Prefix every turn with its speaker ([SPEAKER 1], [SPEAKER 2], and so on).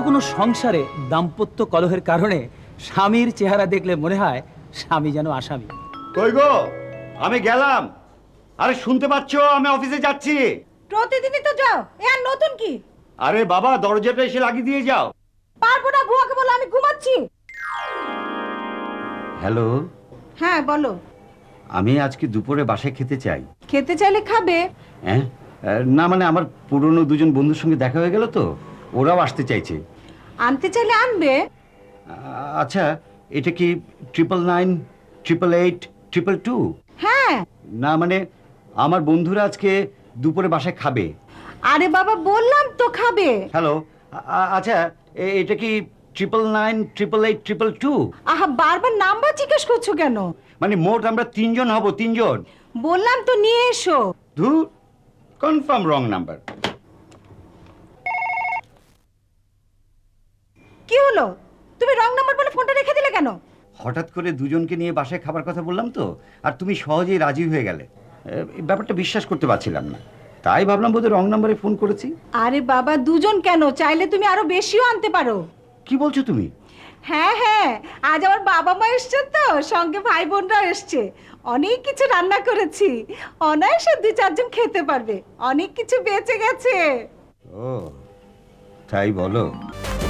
[SPEAKER 1] কোনো সংসারে দাম্পত্য কলহের কারণে স্বামীর চেহারা দেখলে মনে হয় স্বামী যেন আসামি।
[SPEAKER 2] কই গো, আমি গেলাম। আরে শুনতে পাচ্ছো, আমি অফিসে যাচ্ছি।
[SPEAKER 3] প্রতিদিনই তো যাও, এ আর নতুন কি?
[SPEAKER 2] আরে বাবা, দরজাটা এসে লাগিয়ে দিয়ে যাও।
[SPEAKER 3] পারবো না, বুয়াকে বলো আমি ঘুমাচ্ছি।
[SPEAKER 2] হ্যালো,
[SPEAKER 3] হ্যাঁ বলো।
[SPEAKER 2] আমি আজকে দুপুরে বাসায় খেতে চাই।
[SPEAKER 3] খেতে চাইলে খাবে।
[SPEAKER 2] হ্যাঁ, না মানে আমার পুরনো দুজন বন্ধুর সঙ্গে দেখা হয়ে গেল তো, ওরাও আসতে চাইছে।
[SPEAKER 3] আনতে চাইলে আনবে।
[SPEAKER 2] আচ্ছা, এটা কি 999, 888, 222?
[SPEAKER 3] হ্যাঁ।
[SPEAKER 2] না মানে আমার বন্ধুরা আজকে দুপুরে বাসায় খাবে।
[SPEAKER 3] আরে বাবা বললাম তো খাবে।
[SPEAKER 2] হ্যালো, আচ্ছা, এটা কি 999, 888, 222?
[SPEAKER 3] আহা, বারবার নাম্বার জিজ্ঞেস করছো কেন?
[SPEAKER 2] মানে মোট আমরা 3 জন হব, 3 জন।
[SPEAKER 3] বললাম তো নিয়ে এসো।
[SPEAKER 2] ধুর, কনফার্ম রং নাম্বার।
[SPEAKER 3] কি হলো, তুমি রং নাম্বার বলে ফোনটা রেখে দিলে কেন?
[SPEAKER 2] হঠাৎ করে দুজনকে নিয়ে বাসায় খাবার কথা বললাম তো, আর তুমি সহজেই রাজি হয়ে গেলে। এই ব্যাপারটা বিশ্বাস করতে পারছিলাম না, তাই ভাবলাম বোধহয় রং নাম্বারে ফোন করেছি।
[SPEAKER 3] আরে বাবা, দুজন কেন, চাইলে তুমি আরো বেশিও আনতে পারো।
[SPEAKER 2] কি বলছো তুমি?
[SPEAKER 3] হ্যাঁ হ্যাঁ, আজ আমার বাবা মা এসছেন তো, সঙ্গে ভাই বোনরাও এসছে। অনেক কিছু রান্না করেছি, অনায়াসে 2-4 জন খেতে পারবে। অনেক কিছু বেঁচে গেছে।
[SPEAKER 2] ও, তাই বলো?